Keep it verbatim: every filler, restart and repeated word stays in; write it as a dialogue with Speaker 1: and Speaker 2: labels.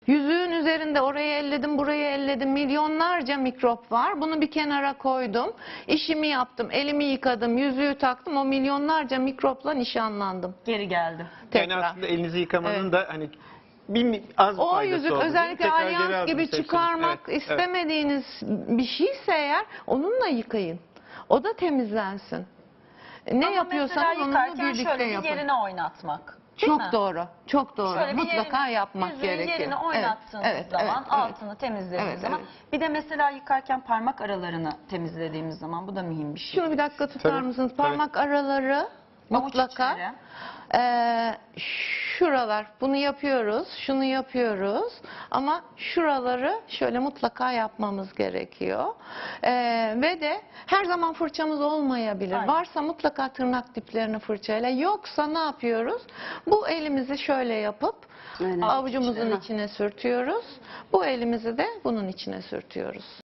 Speaker 1: Yüzüğün üzerinde orayı elledim, burayı elledim. Milyonlarca mikrop var. Bunu bir kenara koydum. İşimi yaptım, elimi yıkadım, yüzüğü taktım. O milyonlarca mikropla nişanlandım.
Speaker 2: Geri geldi.
Speaker 1: Tekrar.
Speaker 3: Yani aslında elinizi yıkamanın
Speaker 1: Evet.
Speaker 3: da hani bir mi- az bir
Speaker 1: O
Speaker 3: faydası
Speaker 1: yüzük
Speaker 3: oldu, değil mi?
Speaker 1: özellikle
Speaker 3: Tekrar geri
Speaker 1: alyans
Speaker 3: aldınız
Speaker 1: gibi
Speaker 3: hepsini.
Speaker 1: çıkarmak
Speaker 3: Evet, evet.
Speaker 1: istemediğiniz bir şeyse eğer onunla yıkayın. O da temizlensin. Ne
Speaker 2: Ama
Speaker 1: yapıyorsanız
Speaker 2: mesela
Speaker 1: onunla
Speaker 2: yıkarken
Speaker 1: birlikte
Speaker 2: şöyle bir
Speaker 1: yapın.
Speaker 2: yerine oynatmak. Değil
Speaker 1: Çok
Speaker 2: mi?
Speaker 1: doğru. Çok doğru.
Speaker 2: Şöyle bir
Speaker 1: Mutlaka
Speaker 2: yerine,
Speaker 1: yapmak
Speaker 2: yüzüğün
Speaker 1: gerekiyor.
Speaker 2: yerine oynattığınız
Speaker 1: Evet, evet,
Speaker 2: zaman,
Speaker 1: evet, evet.
Speaker 2: altını temizlediğiniz
Speaker 1: Evet,
Speaker 2: zaman.
Speaker 1: evet.
Speaker 2: Bir de mesela yıkarken parmak aralarını temizlediğimiz zaman, bu da mühim bir şey.
Speaker 1: Şunu bir dakika tutar
Speaker 3: Tabii,
Speaker 1: mısınız?
Speaker 3: tabii.
Speaker 1: Parmak araları mutlaka.
Speaker 2: içleri.
Speaker 1: Eee, şuralar, bunu yapıyoruz, şunu yapıyoruz ama şuraları şöyle mutlaka yapmamız gerekiyor. Eee, ve de her zaman fırçamız olmayabilir.
Speaker 2: Aynen.
Speaker 1: Varsa mutlaka tırnak diplerini fırçayla. Yoksa ne yapıyoruz? Bu elimizi şöyle yapıp
Speaker 4: Aynen.
Speaker 1: avucumuzun
Speaker 4: İçine.
Speaker 1: içine sürtüyoruz. Bu elimizi de bunun içine sürtüyoruz.